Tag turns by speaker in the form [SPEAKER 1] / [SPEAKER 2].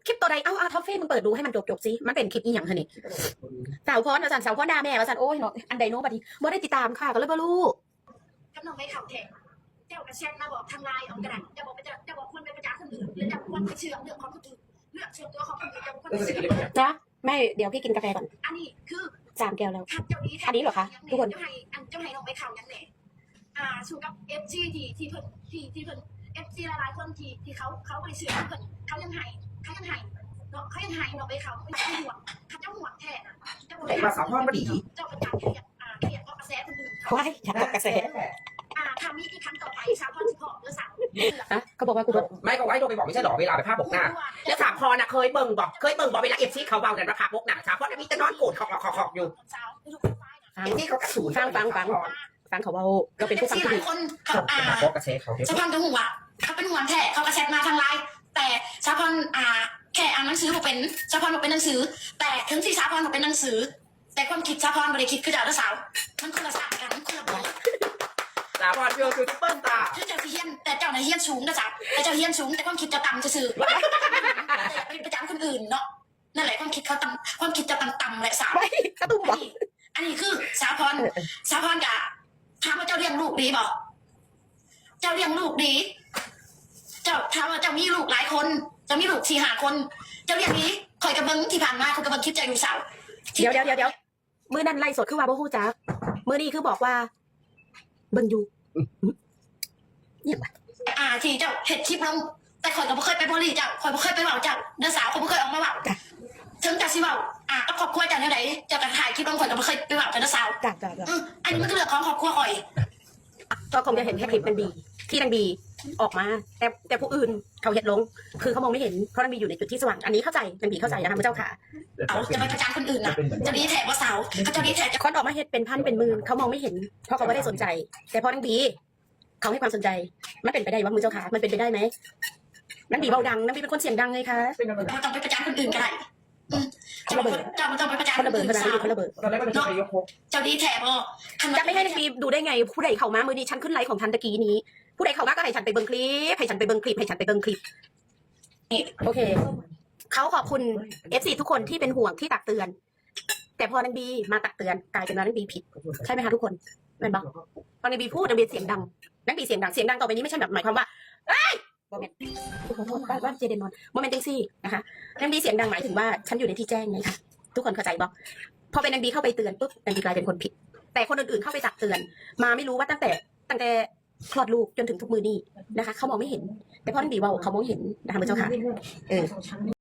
[SPEAKER 1] คลิปตัวใดเอาท็อฟฟี่มึงเปิดดูให้มันจบสิมันเป็นคลิปอีหยังคะนี่สาวพรอาจารย์สาวพรด่าแม่อาจารย์โอ้ยเนาะอันใดโน้บัดนี้บ่ได้ติดตามค่ะก็เลยบ่รู้
[SPEAKER 2] กับน้องไม่ข่าวแทนเจ้ากระเช็ดมาบอกทางไลน์เอากระดาษจะบอกคนไปประจานคนอื่นหรือจะคนไปเชื่อเรื่องของคนอื่นเรื่องส่วนตัวของคนอื่นจะคนไปเชื่อ
[SPEAKER 1] นะไม่เดี๋ยวพี่กินกาแฟก่อน
[SPEAKER 2] อันนี้คือ
[SPEAKER 1] 3 แก้วแล้ว
[SPEAKER 2] เจ้านี้
[SPEAKER 1] อันนี้เหรอคะทุกคน
[SPEAKER 2] เจ้าให้น้องไม่ข่าวยังไงสู้กับเอฟซีที่เพิ่นเอฟซีหลายคนที่เขาไปเชื่อเพิ่นเขายังให้เนาะเขายังให้น้องไม่ข่าวไม่ห่วงเขาจะห่วงแท้
[SPEAKER 3] แต่ว่าสาวพรบ่ดี
[SPEAKER 2] เจ้าประจานเครียดเพราะกระแสคนอื่น
[SPEAKER 1] ว้ายฉันกระแส
[SPEAKER 2] ทำนี้อีกครั้งต่อไปสาวพรสิพอหรือสาว
[SPEAKER 1] เขาบอกว่ากู
[SPEAKER 3] ไม่ก็ไว้โดนไปบอกไม่ใช่หรอเวลาไปภาพบกหน้าแล้วสามพรน่ะเคยเบิ่งบอกเวลาเอฟซีเขาเบากันราคาบกหน้าสามพรมีแต่นอนโกรธขอกอยู่เอฟซีเขากระสุน
[SPEAKER 1] ฟังเขาเบาก็เป็นผู้ฟังที่ดี
[SPEAKER 2] คน
[SPEAKER 3] เขากระเซ็เขา
[SPEAKER 2] สาวพรก็ห่วงเขาเป็นห่วงแท้เขากระแชทมาทางไลน์แต่สาวพรแค่อ่านหนังสือบอกเป็นสาวพรบอกเป็นหนังสือแต่ถึงที่สาวพรบอกเป็นหนังสือแต่ความคิดสาวพรไม่ได้คิดคือเจ้าและสาวมันคนละศาสตร์กันคนละแบบ
[SPEAKER 3] สาวพรคือเปิ้ลตา
[SPEAKER 2] คือเจ้าที่เฮียนแต่เจ้าในเฮียนสูงนะจ๊ะแต่เจ้าเฮียนสูงแต่ความคิดจะต่ำจะสื่อเป็นประจำคนอื่นเนาะนั่นแหละความคิดเขาความคิดจะต่ำแหละสาวอันนี้คือสาวพรกะถามว่าเจ้าเลี้ยงลูกดีบอกเจ้าเลี้ยงลูกดีเจ้าถามว่าเจ้ามีลูกหลายคนเจ้ามีลูก4-5 คนเจ้าเลี้ยงดีคอยกระเบิ้งที่ผ่านมาคอยกระเบิ้งคลิปเจ้าอยู่สาว
[SPEAKER 1] เดี๋ยวมือนั่นไล่สดคือว่าบ่ฮู้จักมือนี้คือบอกว่าเบิ่งอยู่เนี่ย
[SPEAKER 2] ที่เจ้าเห็ดคลิปลงแต่คอยก็บ่เคยไปบริเจ้าคอยบ่เคยไปเว้าเจ้าเด้อสาวคอยบ่เคยออกมาเว้าถึงจะสิเว้าก็ครอบครัวเจ้าแนวไหนเจ้าก็ถ่ายคลิปลงคอยก็บ่เคยไปเว้าเด้อสาวอันนี้มันก็เรื่องของครอบครัวข่อย
[SPEAKER 1] ก็คงจะเห็นแค่คลิปนางบีที่นางบีออกมาแต่ผู้อื่นเขาเห็นลงคือเขามองไม่เห็นเพราะนางบีอยู่ในจุดที่สว่างอันนี้เข้าใจนางบีเข้าใจนะคะพระเจ้าค่ะ
[SPEAKER 2] จะไปประจานคนอื่นนะจะดีแถบว่าสาวเขาจะดีแถบ
[SPEAKER 1] คนออกมาเห็นเป็นพันเป็นหมื่นเขามองไม่เห็นเพราะเขาไม่ได้สนใจแต่พอนางบีเขาให้ความสนใจมันเป็นไปได้ว่ามือเจ้าค่ะมันเป็นไปได้ไหมนางบีเบาดังนางบีเป็นคนเสียงดังเลยค่ะ
[SPEAKER 2] มันต้องไปประจานคนอื่นก็ได้
[SPEAKER 1] คนระเบิด
[SPEAKER 2] มันต้องไปประจาน
[SPEAKER 1] คนระเบิดคนระเบิด
[SPEAKER 2] เจ้าดีแถบ
[SPEAKER 1] จะไม่ให้นางบีดูได้ไงผู้ใดเข้ามามือนี้ฉันขึ้นไลฟ์ของทันตะกี้นี้ผู้ใดเข้ามาก็ให้ฉันไปเบิ่งคลิปโอเคเขาขอบคุณ FC ทุกคนที่เป็นห่วงที่ตักเตือนแต่พอนางบีมาตักเตือนกลายเป็นว่านางบีผิดใช่ไหมคะทุกคนเป็นบ้างพอนางบีพูดนางบีเสียงดังนางบีเสียงดังต่อไปนี้ไม่ใช่แบบหมายความว่าเอ้ยโมเมนต์ขอโทษบ้านเจเดนนอนโมเมนต์จังซี่นะคะนางบีเสียงดังหมายถึงว่าฉันอยู่ในที่แจ้งไงคะทุกคนเข้าใจบอกพอเป็นนางบีเข้าไปเตือนปุ๊บนางบีกลายเป็นคนผิดแต่คนอื่นๆเข้าไปตักเตือนมาไม่รู้ว่าตั้งแต่คลอดลูกจนถึงทุกมือนี้นะคะเขามองไม่เห็นแต่พอนางบีว่าเขามองเห็นนะคะเจ้าค่ะ